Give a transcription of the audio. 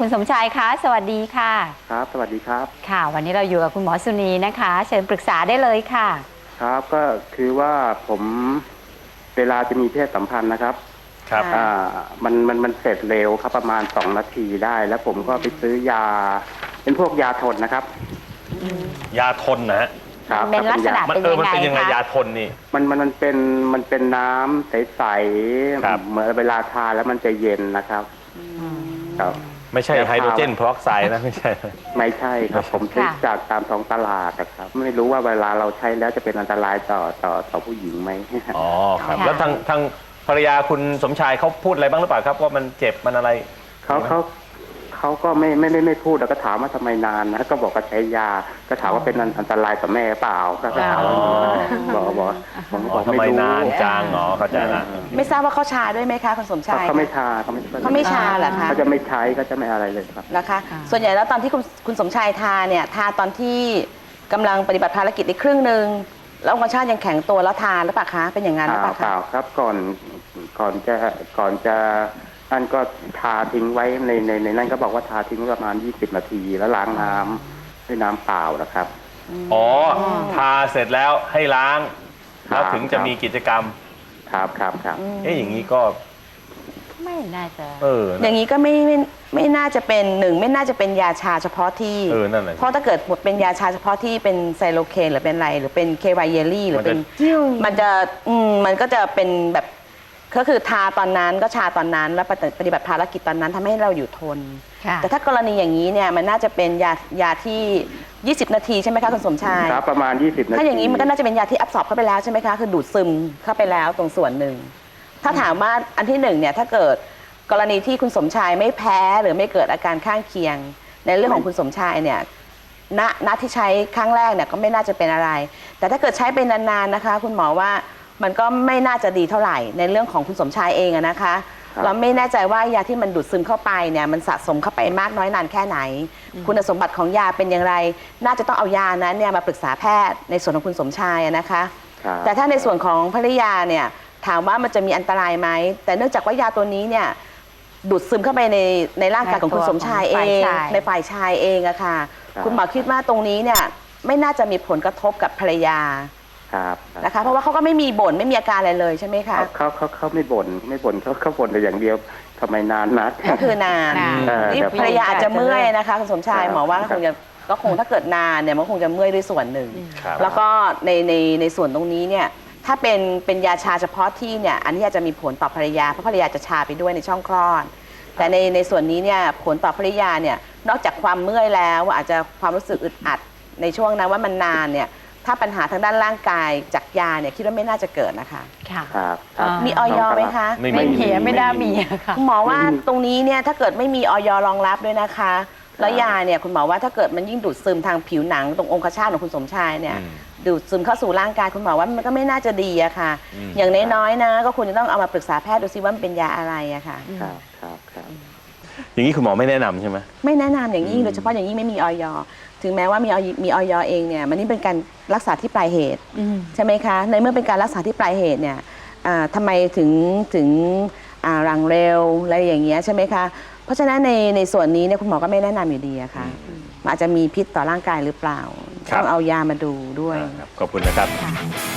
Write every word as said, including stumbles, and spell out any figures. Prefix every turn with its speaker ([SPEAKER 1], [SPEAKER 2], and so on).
[SPEAKER 1] คุณสมชายคะสวัสดีค่ะ
[SPEAKER 2] ครับสวัสดีครับ
[SPEAKER 1] ค่ะวันนี้เราอยู่กับคุณหมอสุนีนะคะเชิญปรึกษาได้เลยค่ะ
[SPEAKER 2] ครับก็คือว่าผมเวลาจะมีเพศสัมพันธ์นะครับ
[SPEAKER 3] ครับ
[SPEAKER 2] อ่ามันมันมันเสร็จเร็วครับประมาณสองนาทีได้แล้วผมก็ไปซื้อยาเป็นพวกยาทนนะครับ
[SPEAKER 3] ยาทนนะฮะ
[SPEAKER 2] ครับ
[SPEAKER 1] เป็นลักษณะ
[SPEAKER 3] มัน
[SPEAKER 1] เป็น
[SPEAKER 3] เออ
[SPEAKER 1] ยัง
[SPEAKER 3] มัน
[SPEAKER 1] ไง
[SPEAKER 3] เป็นยังไง
[SPEAKER 1] คะ
[SPEAKER 3] ยาทนนี่
[SPEAKER 2] มันมันมันเป็นมันเป็นน้ำใส
[SPEAKER 3] ครับ
[SPEAKER 2] ๆเหมือนเวลาทานแล้วมันจะเย็นนะครับครับ
[SPEAKER 3] ไม่ใช่ไฮโดรเจนเพอร์ออกไซด์นะไม่ใช่
[SPEAKER 2] ไม่ใช่ครับผมซื้อจากตามท้องตลาดนะครับไม่รู้ว่าเวลาเราใช้แล้วจะเป็นอันตรายต่อต่อต่อผู้หญิงไหม
[SPEAKER 3] อ๋อครับแล้วทางทางภรรยาคุณสมชายเขาพูดอะไรบ้างหรือเปล่าครับว่ามันเจ็บมันอะไร
[SPEAKER 2] เขาเขาเขาก็ไม่ไม่ไม่ไม่พูดแล้วก็ถามว่าทำไมนานนะก็บอกว่าใช้ยาก็ถามว่าเป็นอันตรายต่อแม่เปล่าก็ถามว่าบอกบอกบอก
[SPEAKER 3] ทำไมนานจังอ๋อเข้าใจละ
[SPEAKER 4] ไม่ทราบว่าเขาชาด้วยไหมคะคุณสมชาย
[SPEAKER 2] เขาไม่ชาเขาไม่
[SPEAKER 4] เขาไม่ชาเหรอคะ
[SPEAKER 2] เขาจะไม่ใช้ก็จะไม่อะไรเลยครับ
[SPEAKER 4] นะคะส่วนใหญ่แล้วตอนที่คุณคุณสมชายทาเนี่ยทาตอนที่กำลังปฏิบัติภารกิจในครึ่งหนึ่งแล้วองคชาติยังแข็งตัวแล้วทาหรือเปล่าคะเป็นอย่างนั้นหรือเปล่าคะ
[SPEAKER 2] เปล่าครับก่อนก่อนจะก่อนจะนั่นก็ทาทิ้งไว้ในในในนั่นก็บอกว่าทาทิ้งประมาณยี่สิบนาทีแล้วล้างน้ำด้วยน้ำเปล่านะครับ
[SPEAKER 3] อ๋อทาเสร็จแล้วให้ล้างแล้วถึงจะมีกิจกรรม
[SPEAKER 2] ครับครับครับ
[SPEAKER 3] เอ๊ะอย่างนี้ก็
[SPEAKER 1] ไม่น่าจะ
[SPEAKER 3] เออ
[SPEAKER 4] อย่างนี้ก็ไม่ไม่ไม่น่าจะเป็นหนึ่งไม่น่าจะเป็นยาชาเฉพาะที่
[SPEAKER 3] เออนั่นแหละ
[SPEAKER 4] เพราะถ้าเกิดหมดเป็นยาชาเฉพาะที่เป็นไซโลเคนหรือเป็นอะไรหรือเป็นเคไวเยลลี่หรือเป็นมันจะอืมมันก็จะเป็นแบบก็คือทาตอนนั้นก็ชาตอนนั้นแล้วปฏิบัติภารกิจตอนนั้นทำให้เราอยู่ทนแต่ถ้ากรณีอย่างนี้เนี่ยมันน่าจะเป็นยายาที่ยี่สิบนาทีใช่ไหมคะคุณสมชาย
[SPEAKER 2] ครับประมาณยี่สิบนาที
[SPEAKER 4] ถ้าอย่างนี้มันก็น่าจะเป็นยาที่อับสอบเข้าไปแล้วใช่ไหมคะคือดูดซึมเข้าไปแล้วตรงส่วนหนึ่งถ้าถามว่าอันที่หนึ่งเนี่ยถ้าเกิดกรณีที่คุณสมชายไม่แพ้หรือไม่เกิดอาการข้างเคียงในเรื่องของคุณสมชายเนี่ยณณที่ใช้ครั้งแรกเนี่ยก็ไม่น่าจะเป็นอะไรแต่ถ้าเกิดใช้ไปนานๆนะคะคุณหมอว่ามันก็ไม่น่าจะดีเท่าไหร่ในเรื่องของคุณสมชายเองนะคะเราไม่แน่ใจว่ายาที่มันดูดซึมเข้าไปเนี่ยมันสะสมเข้าไปมากน้อยนานแค่ไหนคุณสมบัติของยาเป็นอย่างไรน่าจะต้องเอายานั้นเนี่ยมาปรึกษาแพทย์ในส่วนของคุณสมชายนะคะแต่ถ้าในส่วนของภรรยาเนี่ยถามว่ามันจะมีอันตรายไหมแต่เนื่องจากว่ายาตัวนี้เนี่ยดูดซึมเข้าไปในในร่างกายของคุณสมชายเองในฝ่ายชายเองอะค่ะคุณหมอคิดว่าตรงนี้เนี่ยไม่น่าจะมีผลกระทบกับภรรยานะคะเพราะว่าเขาก็ไม่มีบ่นไม่มีอาการอะไรเลยใช่ไหมคะ
[SPEAKER 2] เขาเขาเขาไม่บ่นไม่บ่นเขาเขาบ่นแต่อย่างเดียวทำไมนานนัก
[SPEAKER 4] ก็คือนานนี่ภรรยาอาจจะเมื่อยนะคะคุณสมชายหมอว่าคงจะก็คงถ้าเกิดนานเนี่ยมันคงจะเมื่อยด้วยส่วนหนึ่งแล้วก็ในในในส่วนตรงนี้เนี่ยถ้าเป็นเป็นยาชาเฉพาะที่เนี่ยอันนี้อาจจะมีผลต่อภรรยาเพราะภรรยาจะชาไปด้วยในช่องคลอดแต่ในในส่วนนี้เนี่ยผลต่อภรรยาเนี่ยนอกจากความเมื่อยแล้วอาจจะความรู้สึกอึดอัดในช่วงนั้นว่ามันนานเนี่ยถ้าปัญหาทางด้านร่างกายจากยาเนี่ยคิดว่าไม่น่าจะเกิดนะคะ
[SPEAKER 1] ค่ะ
[SPEAKER 4] มีออยไหมคะ
[SPEAKER 1] ไม่มีไม่ได้มีค่ะ
[SPEAKER 4] คุณหมอว่าตรงนี้เนี่ยถ้าเกิดไม่มีออยรองรับด้วยนะคะแล้วยาเนี่ยคุณหมอว่าถ้าเกิดมันยิ่งดูดซึมทางผิวหนังตรงองคชาตของคุณสมชายเนี่ยดูดซึมเข้าสู่ร่างกายคุณหมอว่ามันก็ไม่น่าจะดีอะค่ะอย่างน้อยๆนะก็ควรจะต้องเอามาปรึกษาแพทย์ดูซิว่ามันเป็นยาอะไรอะค่ะ
[SPEAKER 2] ครับครับครับ
[SPEAKER 3] อย่างนี้คุณหมอไม่แนะนำใช่ไหม
[SPEAKER 4] ไม่แนะนำอย่างยิ่งโดยเฉพาะอย่างยิ่งไม่มีออยถึงแม้ว่ามีมีออยเองเนี่ยมันนี่เป็นการรักษาที่ปลายเหตุใช่ไหมคะในเมื่อเป็นการรักษาที่ปลายเหตุเนี่ยทำไมถึงถึงรังเร็วอะไรอย่างเงี้ยใช่ไหมคะเพราะฉะนั้นในในส่วนนี้เนี่ยคุณหมอก็ไม่แนะนำอยู่ดีอะค่ะอาจจะมีพิษต่อร่างกายหรือเปล่าต้องเอายามาดูด้วย
[SPEAKER 3] ขอบคุณนะครับ